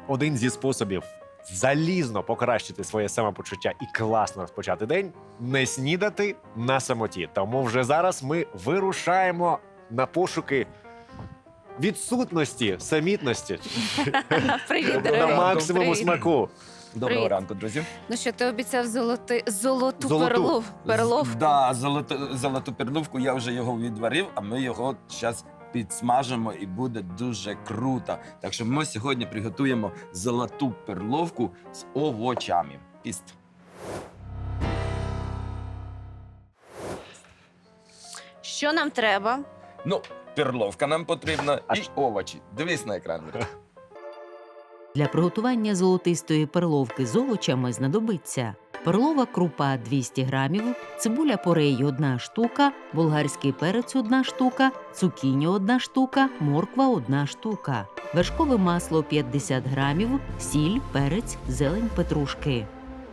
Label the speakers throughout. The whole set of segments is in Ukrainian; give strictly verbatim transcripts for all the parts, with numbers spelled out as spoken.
Speaker 1: один зі способів залізно покращити своє самопочуття і класно розпочати день – не снідати на самоті. Тому вже зараз ми вирушаємо на пошуки відсутності, самітності
Speaker 2: Привіт,
Speaker 1: на
Speaker 2: дорогий.
Speaker 1: максимуму
Speaker 2: Привіт.
Speaker 1: смаку.
Speaker 3: Доброго
Speaker 2: Привіт.
Speaker 3: ранку, друзі.
Speaker 2: Ну що, ти обіцяв золоти... золоту,
Speaker 1: Золоту.
Speaker 2: перлов... перловку?
Speaker 3: Да, золоту, золоту перловку я вже його відварив, а ми його зараз підсмажимо і буде дуже круто. Так що ми сьогодні приготуємо золоту перловку з овочами. Піст.
Speaker 2: Що нам треба?
Speaker 3: Ну, перловка нам потрібна
Speaker 1: А
Speaker 3: і
Speaker 1: що?
Speaker 3: овочі. Дивись на екран. Віра.
Speaker 4: Для приготування золотистої перловки з овочами знадобиться перлова крупа двісті грамів, цибуля порей – одна штука, болгарський перець – одна штука, цукіні – одна штука, морква – одна штука, вершкове масло – п'ятдесят грамів, сіль, перець, зелень петрушки.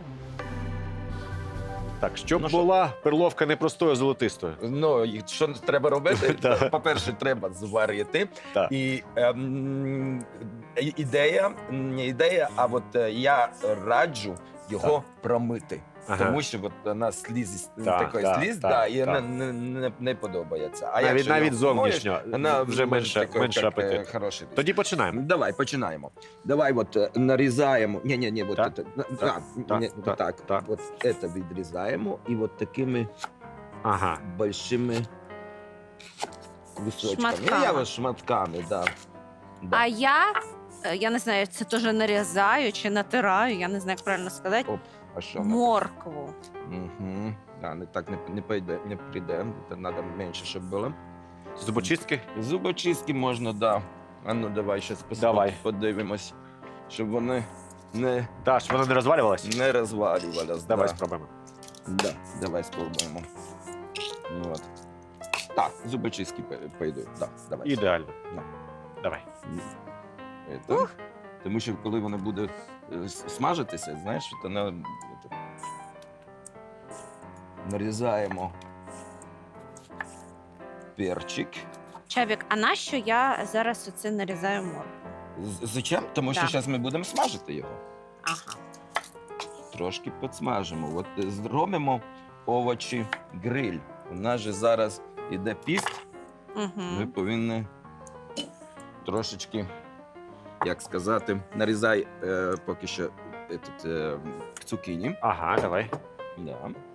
Speaker 1: Так, щоб
Speaker 3: Ну що?
Speaker 1: була перловка не простою, а золотистою.
Speaker 3: Ну, і що треба робити?
Speaker 1: Так.
Speaker 3: По-перше, треба зварити.
Speaker 1: Так.
Speaker 3: І ем, і- ідея, не ідея, а от е, я раджу його промити.
Speaker 1: Ага.
Speaker 3: Тому що от вона сліз,
Speaker 1: Так,
Speaker 3: такий
Speaker 1: так,
Speaker 3: сліз,
Speaker 1: так,
Speaker 3: да, і
Speaker 1: так.
Speaker 3: вона не, не, не подобається. А
Speaker 1: Навіть,
Speaker 3: якщо
Speaker 1: навіть
Speaker 3: його помоєш,
Speaker 1: зовнішньо
Speaker 3: вона
Speaker 1: вже менше,
Speaker 3: такий,
Speaker 1: менше
Speaker 3: як, е,
Speaker 1: апетит.
Speaker 3: хороший.
Speaker 1: Тоді починаємо.
Speaker 3: Давай, починаємо. Давай от е, нарізаємо. Ні, ні, ні, от
Speaker 1: Так,
Speaker 3: це, на-
Speaker 1: так,
Speaker 3: на,
Speaker 1: так,
Speaker 3: ні,
Speaker 1: так,
Speaker 3: так,
Speaker 1: так.
Speaker 3: от це відрізаємо і от такими
Speaker 1: Ага.
Speaker 3: большими кусочками.
Speaker 2: Шматками.
Speaker 3: Я ось шматками, да. Да.
Speaker 2: А я, е, я не знаю, це теж нарізаю чи натираю, я не знаю, як правильно сказати,
Speaker 3: Оп, а що?
Speaker 2: моркву.
Speaker 3: Угу. Да, не так не, не, пойде, не прийде. Це треба менше, щоб було.
Speaker 1: Зубочистки?
Speaker 3: Зубочистки можна, да. А ну давай щас пос-
Speaker 1: Давай.
Speaker 3: подивимось, щоб вони не,
Speaker 1: Так, щоб вона не розвалювалась?
Speaker 3: не розвалювалися.
Speaker 1: Давай
Speaker 3: да.
Speaker 1: спробуємо.
Speaker 3: Да, давай спробуємо. От. Так, зубочистки пой- пойдуть. Да, давай.
Speaker 1: Ідеально.
Speaker 3: Да.
Speaker 1: Давай.
Speaker 3: Это. Тому що коли воно буде е, с- смажитися, знаєш, то на... это, нарізаємо перчик.
Speaker 2: Чабік, а нащо я зараз оце нарізаю моркву?
Speaker 3: З- Зачем? Тому що
Speaker 2: Так.
Speaker 3: зараз ми будемо смажити його.
Speaker 2: Ага.
Speaker 3: Трошки підсмажимо. От е, зробимо овочі гриль. У нас же зараз іде піст. Ми
Speaker 2: Угу.
Speaker 3: повинні трошечки, як сказати, нарізай е, поки що етот, е, цукіні.
Speaker 1: Ага, давай.
Speaker 3: Да.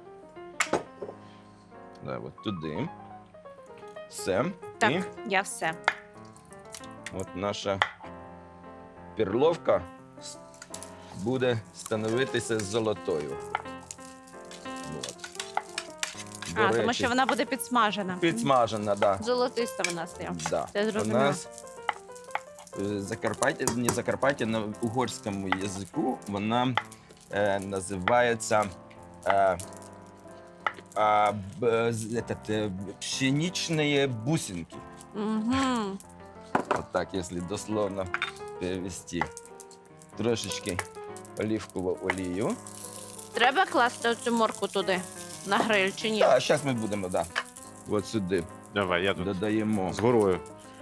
Speaker 3: Да, от туди. Все.
Speaker 2: Так,
Speaker 3: І
Speaker 2: я все.
Speaker 3: от наша перловка с- буде становитися золотою. От. До
Speaker 2: А, тому
Speaker 3: речі,
Speaker 2: що вона буде підсмажена.
Speaker 3: підсмажена, да.
Speaker 2: Золотиста вона стає.
Speaker 3: Да.
Speaker 2: Це
Speaker 3: У
Speaker 2: зрозуміло.
Speaker 3: нас е, Закарпаття, не Закарпаття, на угорському язику вона е, називається е, а, б, з- этот, е, пшеничные бусинки.
Speaker 2: Угу.
Speaker 3: Вот так, если дословно перевести. Трошечки оливкову олію.
Speaker 2: Треба класти цю морку туди, на гриль чи ні?
Speaker 3: Так, зараз ми будемо, да. От сюди
Speaker 1: Давай, я тут
Speaker 3: додаємо,
Speaker 1: з горою.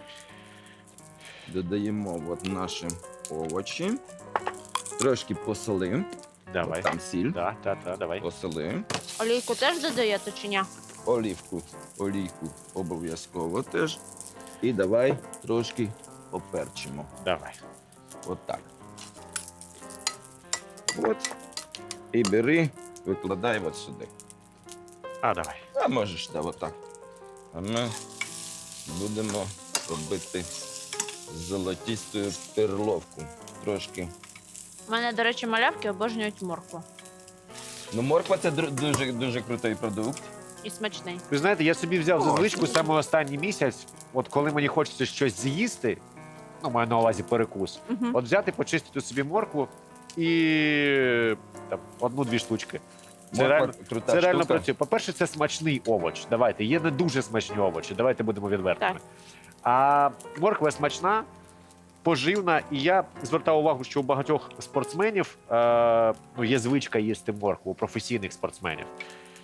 Speaker 3: додаємо от наші овочі. Трошки посолимо.
Speaker 1: Давай.
Speaker 3: От там сіль.
Speaker 1: Так, так, так, давай.
Speaker 3: Посолимо.
Speaker 2: Олійку теж додаєте чи ні?
Speaker 3: Олівку, олійку обов'язково теж. І давай трошки поперчимо.
Speaker 1: Давай.
Speaker 3: От так. От. І бери, викладай от сюди.
Speaker 1: А, давай.
Speaker 3: А можеш, да, от так. А ми будемо робити золотисту перловку. Трошки.
Speaker 2: У мене, до речі, малявки обожнюють моркву.
Speaker 3: Ну, морква це дру- дуже, дуже крутий продукт.
Speaker 2: І смачний.
Speaker 1: Ви знаєте, я собі взяв за
Speaker 3: О,
Speaker 1: звичку
Speaker 3: що?
Speaker 1: саме останній місяць, от коли мені хочеться щось з'їсти, ну, маю на увазі перекус,
Speaker 2: Угу.
Speaker 1: от взяти, почистити собі моркву і там, одну-дві штучки. Це
Speaker 3: Морква
Speaker 1: реально,
Speaker 3: крута
Speaker 1: це реально
Speaker 3: штука.
Speaker 1: працює. По-перше, це смачний овоч. Давайте, є не дуже смачні овочі, давайте будемо відвертими.
Speaker 2: Так.
Speaker 1: А морква смачна, поживна, і я звертав увагу, що у багатьох спортсменів е, ну, є звичка їсти моркву, у професійних спортсменів.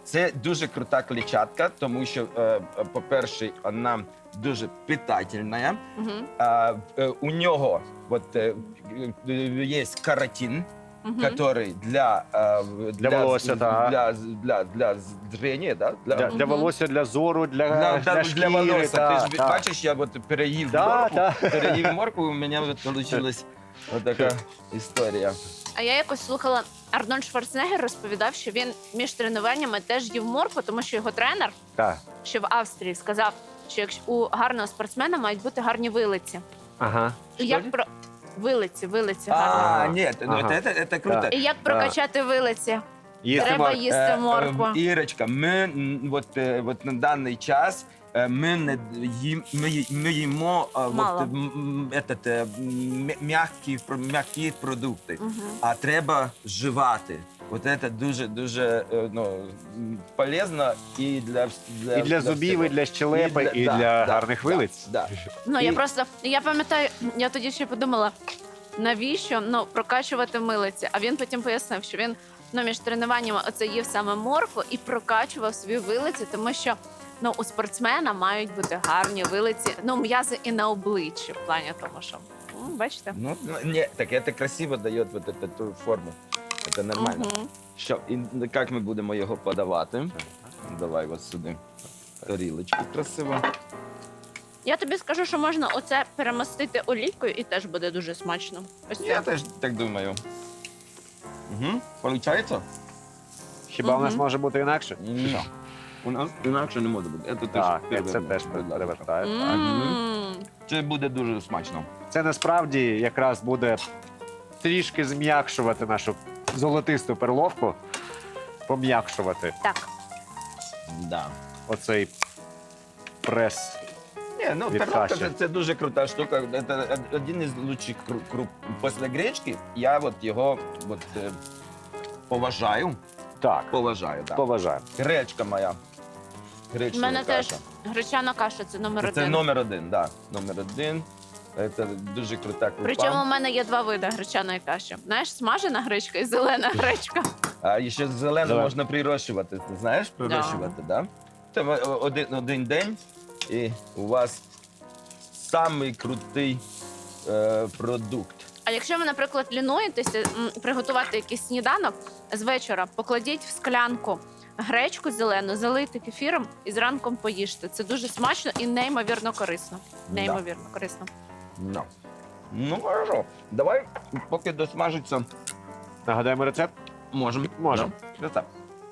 Speaker 3: Це дуже крута клітчатка, тому що, е, е, по-перше, вона дуже питательна.
Speaker 2: Мгм.
Speaker 3: А, е, у нього от, е, е, є каротин,
Speaker 2: Мгм.
Speaker 3: який для, е,
Speaker 1: Для волосся, так.
Speaker 3: для, для, для зрення, да?
Speaker 1: Для,
Speaker 3: для,
Speaker 1: для
Speaker 2: Мгм.
Speaker 1: волосся, для зору, для,
Speaker 3: для,
Speaker 1: для,
Speaker 3: для,
Speaker 1: шкіри.
Speaker 3: волосся.
Speaker 1: та,
Speaker 3: Ти ж
Speaker 1: та.
Speaker 3: бачиш, я от переїв
Speaker 1: Да,
Speaker 3: моркву,
Speaker 1: да.
Speaker 3: переїв моркву, у мене вийшла така історія.
Speaker 2: А я якось слухала, Арнольд Шварценеггер розповідав, що він між тренуваннями теж їв моркву, тому що його тренер,
Speaker 1: Та.
Speaker 2: що в Австрії, сказав, що якщо у гарного спортсмена мають бути гарні вилиці.
Speaker 1: Ага.
Speaker 2: І як про вилиці, вилиці
Speaker 3: А,
Speaker 2: гарні.
Speaker 3: ні, ну,
Speaker 1: Ага.
Speaker 3: це, це, це круто.
Speaker 1: Да.
Speaker 2: І як прокачати вилиці?
Speaker 1: Їсти
Speaker 2: Треба
Speaker 1: мор-
Speaker 2: їсти
Speaker 3: Е,
Speaker 2: моркву.
Speaker 3: е, Ірочка, ми м, от, е, от на даний час е, ми не їм, ми, ї- ми їмо е,
Speaker 2: Мало.
Speaker 3: от, м, м, етот, е, м, м'які, про- м'які продукти,
Speaker 2: Мгм.
Speaker 3: а треба жувати. От це дуже дуже е, ну, м, полезно і для, вс- для
Speaker 1: І для зубів,
Speaker 3: всього.
Speaker 1: і для щелепи, і
Speaker 3: да,
Speaker 1: для
Speaker 3: да,
Speaker 1: гарних
Speaker 3: да,
Speaker 1: вилиць.
Speaker 3: Да.
Speaker 2: Ну, я
Speaker 3: І-
Speaker 2: просто, я пам'ятаю, я тоді ще подумала, навіщо ну, прокачувати милиці? А він потім пояснив, що він ну, між тренуваннями оце їв саме моркву і прокачував свої вилиці, тому що ну, у спортсмена мають бути гарні вилиці, ну, м'язи і на обличчі, в плані того, що, м, бачите?
Speaker 3: Ну, ну, не, так это красиво дает вот эту, ту форму. Это нормально.
Speaker 2: Мгм.
Speaker 3: Що, і як ми будемо його подавати? Давай ось сюди. Тарілочку красиво.
Speaker 2: Я тобі скажу, що можна оце перемастити олійкою і теж буде дуже смачно. Ось
Speaker 3: Я
Speaker 2: це.
Speaker 3: теж так думаю. Угу. Получається?
Speaker 1: Хіба у нас
Speaker 2: Мгм.
Speaker 1: може бути інакше?
Speaker 3: Ні. У нас інакше не може бути. Це теж
Speaker 1: Так, це
Speaker 3: перевернемо,
Speaker 1: теж
Speaker 3: будь ласка.
Speaker 1: перевертає.
Speaker 2: М.
Speaker 3: Це буде дуже смачно.
Speaker 1: Це насправді якраз буде трішки зм'якшувати нашу золотисту перловку, пом'якшувати
Speaker 2: Так.
Speaker 3: Да.
Speaker 1: оцей прес.
Speaker 3: Ні, ну
Speaker 1: Від
Speaker 3: перловка
Speaker 1: каші.
Speaker 3: це, це дуже крута штука. Це один із лучших кру- круп. Після гречки я от його от, е, поважаю.
Speaker 1: Так,
Speaker 3: Поважаю, так.
Speaker 1: поважаю.
Speaker 3: Гречка моя.
Speaker 2: У
Speaker 3: Гречка
Speaker 2: мене теж
Speaker 3: каша.
Speaker 2: гречана каша це номер
Speaker 3: Це,
Speaker 2: один.
Speaker 3: це номер один, так. Да. Номер один. Це дуже крута крупа.
Speaker 2: Причому у мене є два види гречаної каші. Знаєш, смажена гречка і зелена гречка.
Speaker 3: А ще зелену
Speaker 1: Давай.
Speaker 3: можна прирощувати. Ти знаєш, прирощувати, так? Да. Це ви- один, один день, і у вас самий крутий е, продукт.
Speaker 2: А якщо ви, наприклад, лінуєтеся м, приготувати якийсь сніданок з вечора, покладіть в склянку гречку зелену, залийте кефіром і зранком поїжте. Це дуже смачно і неймовірно корисно. Неймовірно корисно.
Speaker 3: No. Ну, хорошо. Давай, поки досмажиться,
Speaker 1: Нагадаємо рецепт?
Speaker 3: можемо.
Speaker 1: Можемо.
Speaker 3: Да. Рецепт.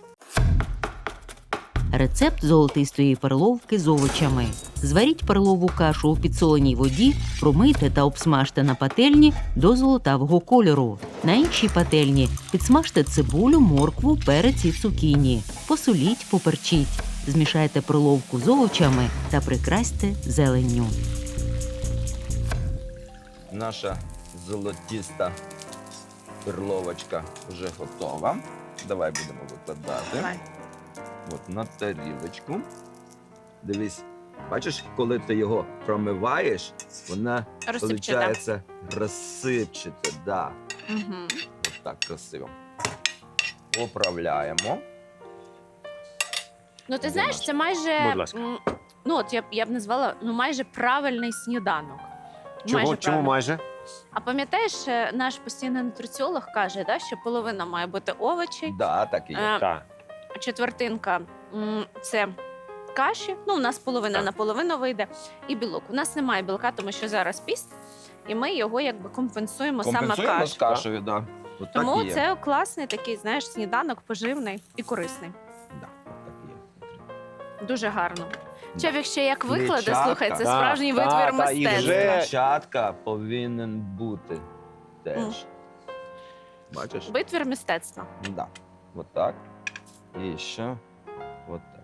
Speaker 4: Рецепт золотистої перловки з овочами. Зваріть перлову кашу у підсоленій воді, промийте та обсмажте на пательні до золотавого кольору. На іншій пательні підсмажте цибулю, моркву, перець і цукіні. Посоліть, поперчіть. Змішайте перловку з овочами та прикрасьте зеленню.
Speaker 3: Наша золотіста перловочка вже готова. Давай будемо викладати.
Speaker 2: Давай.
Speaker 3: От на тарілочку. Дивись, бачиш, коли ти його промиваєш, вона
Speaker 2: Розсипчата.
Speaker 3: виходить розсипчата. Да.
Speaker 2: Угу.
Speaker 3: От так красиво. Поправляємо.
Speaker 2: Ну, ти
Speaker 3: Де
Speaker 2: знаєш,
Speaker 3: наш?
Speaker 2: це майже
Speaker 1: Будь ласка.
Speaker 2: м, ну от я б я б назвала ну майже правильний сніданок.
Speaker 1: Чому, чому
Speaker 2: правильний.
Speaker 1: майже?
Speaker 2: А пам'ятаєш, е, наш постійний нутриціолог каже, да, що половина має бути овочі,
Speaker 3: Да, так і є.
Speaker 2: е,
Speaker 1: Так.
Speaker 2: четвертинка м, це каші. Ну, у нас половина
Speaker 1: Так.
Speaker 2: на половину вийде, і білок. У нас немає білка, тому що зараз піст, і ми його якби компенсуємо,
Speaker 3: Компенсуємо
Speaker 2: саме
Speaker 3: з
Speaker 2: кашею.
Speaker 3: кашею, да. От
Speaker 2: Тому
Speaker 3: так і є.
Speaker 2: це класний такий, знаєш, сніданок поживний і корисний.
Speaker 3: Да, от так і є.
Speaker 2: Дуже гарно.
Speaker 3: Да.
Speaker 2: Чоловік ще як викладе,
Speaker 3: Клітчатка.
Speaker 2: слухай, це
Speaker 1: Так,
Speaker 2: справжній
Speaker 1: так,
Speaker 2: витвір
Speaker 1: так, і
Speaker 2: мистецтва.
Speaker 1: вже-
Speaker 3: Клітчатка повинен бути теж.
Speaker 2: Мгм.
Speaker 3: Бачиш?
Speaker 2: Витвір мистецтва.
Speaker 3: Да. Вот так. І ще вот так.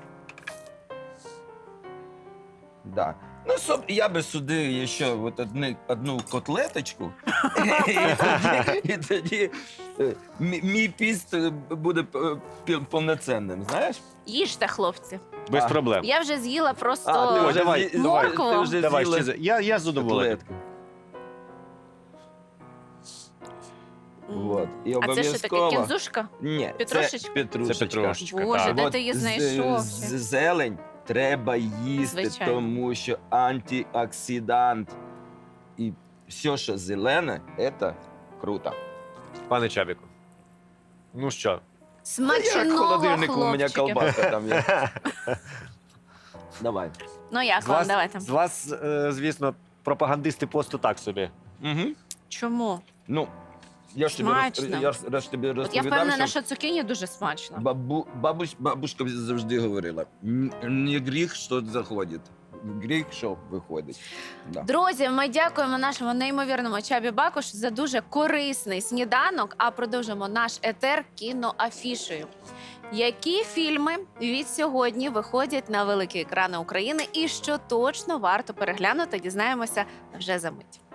Speaker 3: Да. Ну, соб, я би сюди ще от одни, одну котлеточку, і тоді, і тоді е, мі- мій піст е, буде е, пі- повноцінним, знаєш?
Speaker 2: Їжте, хлопці.
Speaker 1: Без
Speaker 3: А.
Speaker 1: проблем.
Speaker 2: Я вже з'їла просто
Speaker 3: А, ти вже
Speaker 1: давай,
Speaker 3: з'ї-
Speaker 1: давай.
Speaker 3: ти вже
Speaker 1: Давай
Speaker 3: з'їла
Speaker 1: ще. за- Я, я з задоволенням.
Speaker 3: котлетку.
Speaker 2: М.
Speaker 3: Вот. І
Speaker 2: А це що таке,
Speaker 3: обов'язково...
Speaker 2: кінзушка?
Speaker 3: Ні,
Speaker 2: Петрушечка?
Speaker 3: це петрушечка.
Speaker 1: Це петрушечка.
Speaker 2: Боже,
Speaker 1: так.
Speaker 2: де
Speaker 3: От
Speaker 2: ти її
Speaker 3: з-
Speaker 2: знайшов?
Speaker 3: з- Зелень треба їсти,
Speaker 2: Звичайно.
Speaker 3: тому що антиоксидант і все, що зелене, це круто.
Speaker 1: Пане Чабіку. Ну що?
Speaker 3: Як в
Speaker 2: Смачного,
Speaker 3: холодильнику у мене
Speaker 2: хлопчики.
Speaker 3: колбаска там є. Давай.
Speaker 2: Ну як
Speaker 1: З
Speaker 2: вам,
Speaker 1: вас,
Speaker 2: давайте.
Speaker 1: з вас е, звісно, пропагандисти посту так собі.
Speaker 3: Угу.
Speaker 2: Чому?
Speaker 3: Ну, я ж тобі, роз,
Speaker 2: Смачно.
Speaker 3: я ж раз тобі
Speaker 2: От я
Speaker 3: розповідав,
Speaker 2: впевнена,
Speaker 3: що
Speaker 2: що цукіні дуже смачно.
Speaker 3: бабу, бабусь, бабушка завжди говорила, «Н- не гріх, що заходить, гріх, що виходить. Да.
Speaker 2: Друзі, ми дякуємо нашому неймовірному Чабі Бакуш за дуже корисний сніданок, а продовжимо наш етер кіноафішею. Які фільми від сьогодні виходять на великі екрани України і що точно варто переглянути, дізнаємося вже за мить.